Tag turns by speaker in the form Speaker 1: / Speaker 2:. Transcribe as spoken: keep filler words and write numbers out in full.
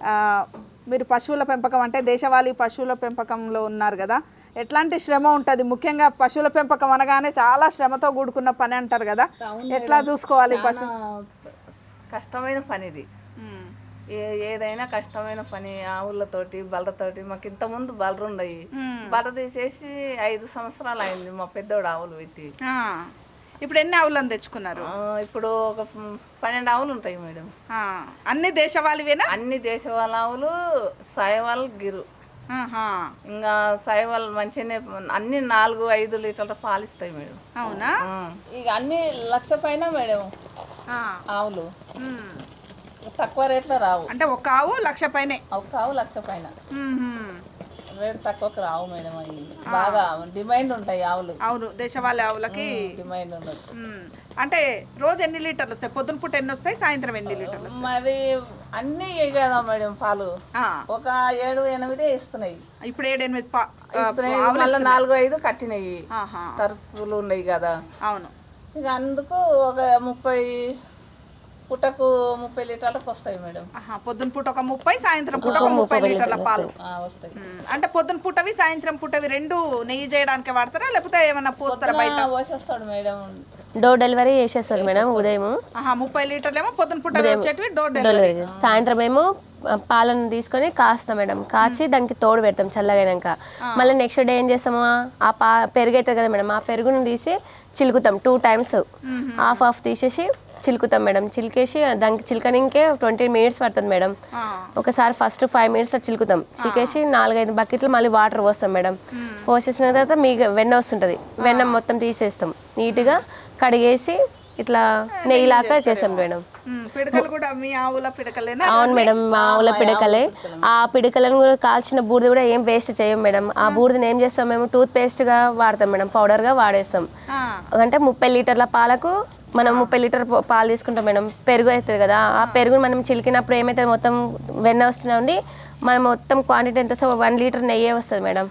Speaker 1: మీరు పశువుల పెంపకం అంటే దేశవాళీ పశువుల పెంపకంలో ఉన్నారు కదా, ఎట్లాంటి శ్రమ ఉంటుంది? ముఖ్యంగా పశువుల పెంపకం అనగానే చాలా శ్రమతో కూడుకున్న పని అంటారు కదా, ఎట్లా చూసుకోవాలి? పశు
Speaker 2: కష్టమైన పని ఇది. ఏ ఏదైనా కష్టమైన పని. ఆవులతోటి బలతోటి మాకు ఇంతకుముందు బలరు ఉండయి, బల తీసేసి ఐదు సంవత్సరాలు అయింది మా పెద్దోడు ఆవులు పెట్టి.
Speaker 1: ఇప్పుడు ఎన్ని ఆవులను తెచ్చుకున్నారు?
Speaker 2: ఇప్పుడు ఒక పన్నెండు ఆవులు ఉంటాయి మేడం.
Speaker 1: అన్ని దేశవాళివేనా?
Speaker 2: అన్ని దేశవాళ ఆవులు, సాయవాళ్ళు గిరు. ఇంకా సాయవాళ్ళు మంచిగానే అన్ని నాలుగు ఐదు లీటర్ల పాలు ఇస్తాయి మేడం.
Speaker 1: అవునా?
Speaker 2: ఇక అన్ని లక్ష పైన మేడం ఆవులు, తక్కువ రేట్లో రావు.
Speaker 1: అంటే ఒక ఆవు లక్ష పైనే?
Speaker 2: ఒక ఆవు లక్ష పైన, రేటు తక్కువకి రావు మేడం. అవి బాగా డిమాండ్ ఉంటాయి ఆవులు.
Speaker 1: అవును, దేశవాళీ ఆవులకి
Speaker 2: డిమాండ్ ఉండదు.
Speaker 1: అంటే రోజు ఎన్ని లీటర్లు వస్తాయి? పొద్దున పూట ఎన్ని వస్తాయి, సాయంత్రం ఎన్ని లీటర్లు?
Speaker 2: మరి అన్ని కదా మేడం పాలు, ఒక ఏడు ఎనిమిదే ఇస్తున్నాయి.
Speaker 1: ఇప్పుడు ఏడు ఎనిమిది
Speaker 2: ఇస్తున్నాయి, మళ్ళీ నాలుగు ఐదు కట్టినాయి, తరుపులు ఉన్నాయి కదా.
Speaker 1: అవును,
Speaker 2: ఇక అందుకు ఒక ముప్పై పుట్టకు ముప్పై లీటర్లకు వస్తాయి మేడం.
Speaker 1: పొద్దున పూట ఒక ముప్పై, సాయంత్రం పూట ఒక ముప్పై లీటర్ల పాలు
Speaker 2: వస్తాయి.
Speaker 1: అంటే పొద్దున పూటవి సాయంత్రం పూటవి రెండు నెయ్యి చేయడానికి వాడతారా, లేకపోతే ఏమన్నా పోస్తారా? బయట
Speaker 2: పోసేస్తాడు మేడం,
Speaker 3: డోర్ డెలివరీ చేసేస్తారు మేడం. ఉదయం
Speaker 1: ముప్పై లీటర్లు ఏమో పొద్దున పూట వచ్చేటివి డోర్
Speaker 3: డెలివరీ చేస్తారు. సాయంత్రం ఏమో పాలను తీసుకొని కాస్తాం మేడం, కాచి దానికి తోడు పెడతాం చల్లగైనాక. మళ్ళీ నెక్స్ట్ డే ఏం చేస్తాము, ఆ పా పెరుగు అవుతుంది కదా మేడం, ఆ పెరుగును తీసి చిలుకుతాం. టూ టైమ్స్ హాఫ్ హాఫ్ తీసేసి చిలుకుతాం మేడం. చిలికేసి దానికి చిలకనికే ట్వంటీ మినిట్స్ పడుతుంది మేడం. ఒకసారి ఫస్ట్ ఫైవ్ మినిట్స్లో చిలుకుతాం. చిలికేసి నాలుగైదు బకెట్లు మళ్ళీ వాటర్ పోస్తాం మేడం. పోసేసిన తర్వాత మీ వెన్న వస్తుంటుంది, వెన్న మొత్తం తీసేస్తాం, నీట్గా కడిగేసి ఇట్లా నెయ్యిలాగా చేస్తాం మేడం. అవును మేడం, మా ఆవుల పిడకలే. ఆ పిడకలను కూడా కాల్చిన బూడిద కూడా ఏం వేస్ట్ చేయం మేడం. ఆ బూడిదని ఏం చేస్తాం మేము, టూత్ పేస్ట్గా వాడతాం మేడం, పౌడర్గా వాడేస్తాం. అంటే ముప్పై లీటర్ల పాలకు మనం ముప్పై లీటర్ పాలు తీసుకుంటాం మేడం. పెరుగు అవుతుంది కదా, ఆ పెరుగుని మనం చిలికినప్పుడు ఏమైతే మొత్తం వెన్న వస్తున్నా ఉండి మనం మొత్తం క్వాంటిటీ ఎంత వన్ లీటర్ నెయ్యే వస్తుంది మేడం.